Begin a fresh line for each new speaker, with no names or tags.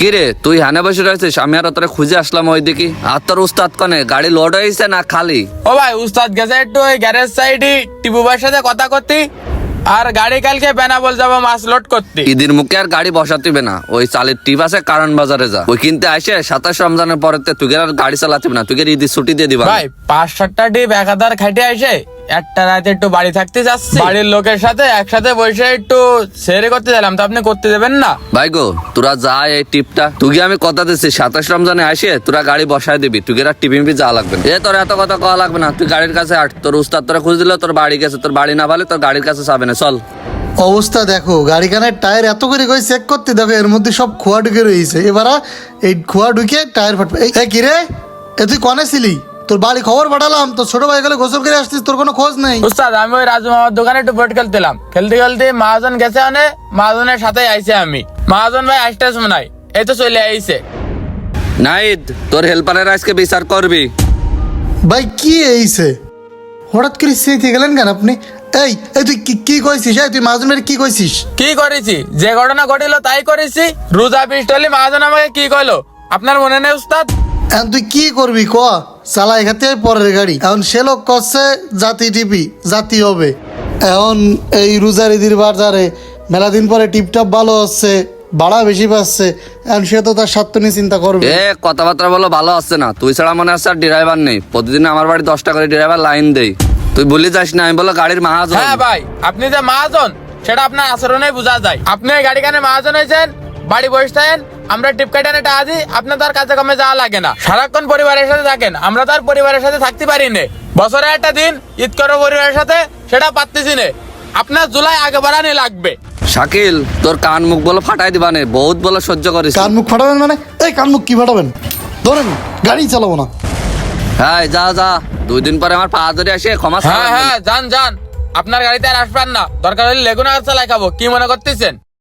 কি রে তুই হানে বসে রয়েছিস? আমি আর তোরে খুঁজে আসলাম ওই দিকে। আর তোর উস্তাদ কনে গাড়ি লোড হয়েছে না খালি?
ও ভাই, উস্তাদ গেছে একটু ওই গ্যারেজ সাইডে টিপু ভাইয়ের সাথে কথা করতে, আর গাড়ি কালকে বেনাপোল যাবো মাছ লোড করতে।
ঈদের মুখে আর গাড়ি বসাতিবে না, ওই চালের টিপ আছে কারণ বাজারে যা, ওই কিনতে আসে 27 রমজানের পরে তুই আর গাড়ি চালাতিবে না, তুই ঈদের ছুটি দিয়ে দিবা।
ভাই 5-7টা টিপ 1000 খাইতে আসে একটা রাতে একটু বাড়ি থাকতে যাচ্ছি, বাড়ির লোকের সাথে একসাথে বসে একটু সেরে করতে গেলাম, তো আপনি করতে দেবেন না?
ভাই গো তোরা যা এই টিপটা, তুই আমি কথা দিচ্ছি 27 রমজানে আসে তোরা গাড়ি বসায় দিবি, তুই আর টিপি যা লাগবে না। তোর এত কথা কওয়া লাগবে না, তুই গাড়ির কাছে আট, তোর উস্তাদ তোরা খুঁজ দিল, তোর বাড়ি গেছে, তোর বাড়ি না ভালে তোর গাড়ির কাছে যাবে না, চল।
অবস্থা দেখো, গাড়িখানের টায়ার এত করে কই চেক করতে, দেখো এর মধ্যে সব খোয়া ঢুকে রয়েছে। এবার এই খোয়া ঢুকে টায়ার ফাটবে। এই কি রে, এ তুই কনে ছিলি? তোর বাড়ি খবর পাঠালাম, তোর ছোট ভাই গেলে গোসল করে আসছিস, তোর কোনো খোঁজ নেই।
উস্তাদ আমি ওই রাজু মামার দোকানে একটু বট খেলতেলাম, খেলতে খেলতে মহাজন গেছে, মানে মহাজনের সাথে আইছে আমি, মহাজন ভাই আসতে শোনাই এই তো চলে আইছে।
নাইদ তোর হেল্পারের আজকে বিচার করবি।
ভাই কি এইছে, হঠাৎ করে সেইতে গেলেন কেন আপনি? এই এই তুই কি কইছিস? এই তুই মাঝে কি কইছিস?
কি করেছি? যে ঘটনা ঘটিল তাই করেছি। রোজা পিস্টলি মহাজন আমাকে কি কইলো আপনার মনে নেই উস্তাদ?
এখন তুই কি করবি ক? চালা এখাতে পরের গাড়ি, এখন সে লোক করছে জাতি টিপি জাতি হবে। এখন এই রোজার ঈদের বাজারে মেলা দিন পরে টিপটাপ ভালো হচ্ছে, ভাড়া বেশি পাচ্ছে, এখন সে তো তার স্বার্থ নিয়ে চিন্তা করবে।
কথাবার্তা বলো ভালো আসছে না, তুই ছাড়া মনে আছে আর ড্রাইভার নেই, প্রতিদিন আমার বাড়ি 10টা করে ড্রাইভার লাইন দেই, তুই বলি যাস না আমি বলো গাড়ির মাহাজন।
হ্যাঁ ভাই, আপনি যে মহাজন সেটা আপনার আচরণে বোঝা যায়। আপনি এই গাড়িখানে মহাজন হয়েছেন, বাড়ি বসে থাকেন, আমরা টিপ কাটানে টাকা দিই, আপনার তার কাছে কমে যাওয়া লাগে না, সারাক্ষণ পরিবারের সাথে থাকেন, আমরা তার পরিবারের সাথে থাকতে পারি না। বছরে একটা দিন ঈদ করো পরিবারের সাথে, সেটা পারতেছি না। আপনার জুলাই আগে বাড়ানি লাগবে।
শাকিল তোর কান মুখ বলো ফাটাই দিবা নে, বহুত বলো সহ্য করিস।
কান মুখ ফাটাবেন মানে? এই কান মুখ কি ফাটাবেন? ধরেন গাড়ি চালাবো না।
হ্যাঁ যা যা, 2 দিন পরে আমার পা ধরে আসে ক্ষমা
হ্যাঁ হ্যাঁ, যান যান, আপনার গাড়িতে আর আসবেন না, দরকার হলে লেগুনা চালাই খাবো, কি মনে করতেছেন?